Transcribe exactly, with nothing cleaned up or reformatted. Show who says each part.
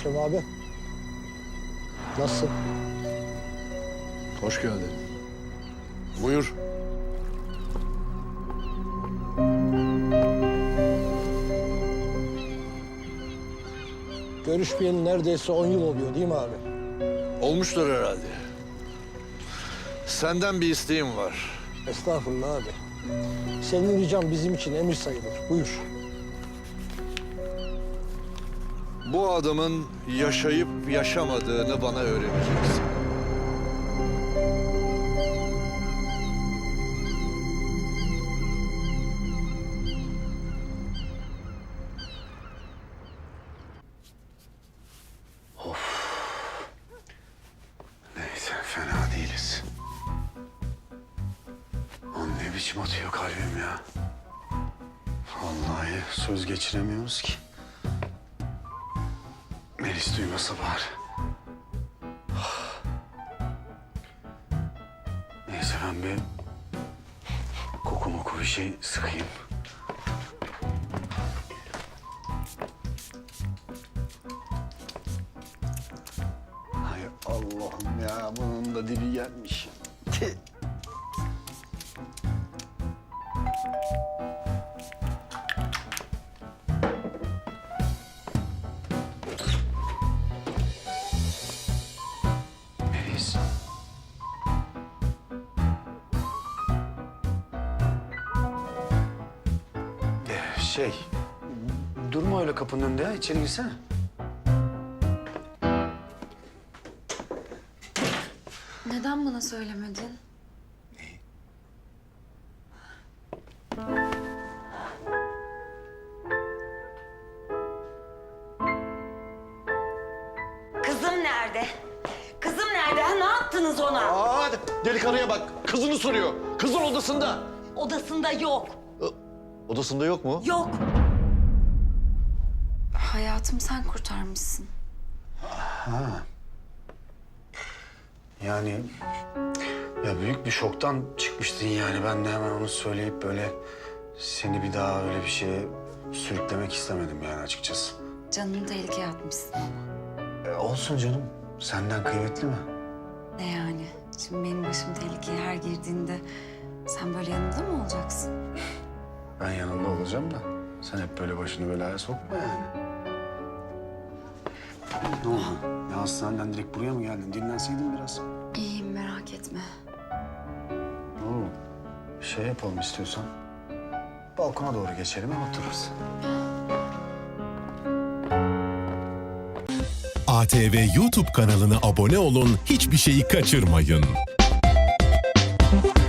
Speaker 1: Şem abi. Nasılsın?
Speaker 2: Hoş geldin. Buyur.
Speaker 1: Görüşmeyeli neredeyse on yıl oluyor değil mi abi?
Speaker 2: Olmuştur herhalde. Senden bir isteğim var.
Speaker 1: Estağfurullah abi. Senin ricam bizim için emir sayılır. Buyur.
Speaker 2: Bu adamın yaşayıp yaşamadığını bana öğreneceksin.
Speaker 3: Neyse, fena değiliz. Lan ne biçim atıyor kalbim ya. Vallahi söz geçiremiyoruz ki. Melis duymasa bari. Neyse ben bir koku moku bir şey sıkayım. Hay Allah'ım ya, bunun da dibi gelmiş. Tih. Melis. Ee, şey, durma öyle kapının önünde ya, içeri girsene.
Speaker 4: Neden bana söylemedin?
Speaker 5: Kızım nerede? Kızım nerede? Ha, ne yaptınız ona?
Speaker 6: Aa, deli karıya bak. Kızını soruyor. Kızın odasında.
Speaker 5: Odasında yok.
Speaker 6: Odasında yok mu?
Speaker 5: Yok.
Speaker 4: Hayatımı sen kurtarmışsın.
Speaker 3: Yani ya büyük bir şoktan çıkmıştın yani. Ben de hemen onu söyleyip böyle seni bir daha öyle bir şeye sürüklemek istemedim yani açıkçası.
Speaker 4: Canını tehlikeye atmışsın ama.
Speaker 3: E, olsun canım. Senden kıymetli mi?
Speaker 4: Ne yani? Şimdi benim başım tehlikeye her girdiğinde sen böyle yanımda mı olacaksın?
Speaker 3: Ben yanında olacağım da sen hep böyle başını belaya sokma yani. Ne oldu? Ya hastaneden direkt buraya mı geldin? Dinlenseydin biraz.
Speaker 4: İyiyim, merak etme.
Speaker 3: Oo, şey yapalım istiyorsan. Balkona doğru geçelim, hem otururuz.
Speaker 7: A T V YouTube kanalına abone olun, hiçbir şeyi kaçırmayın.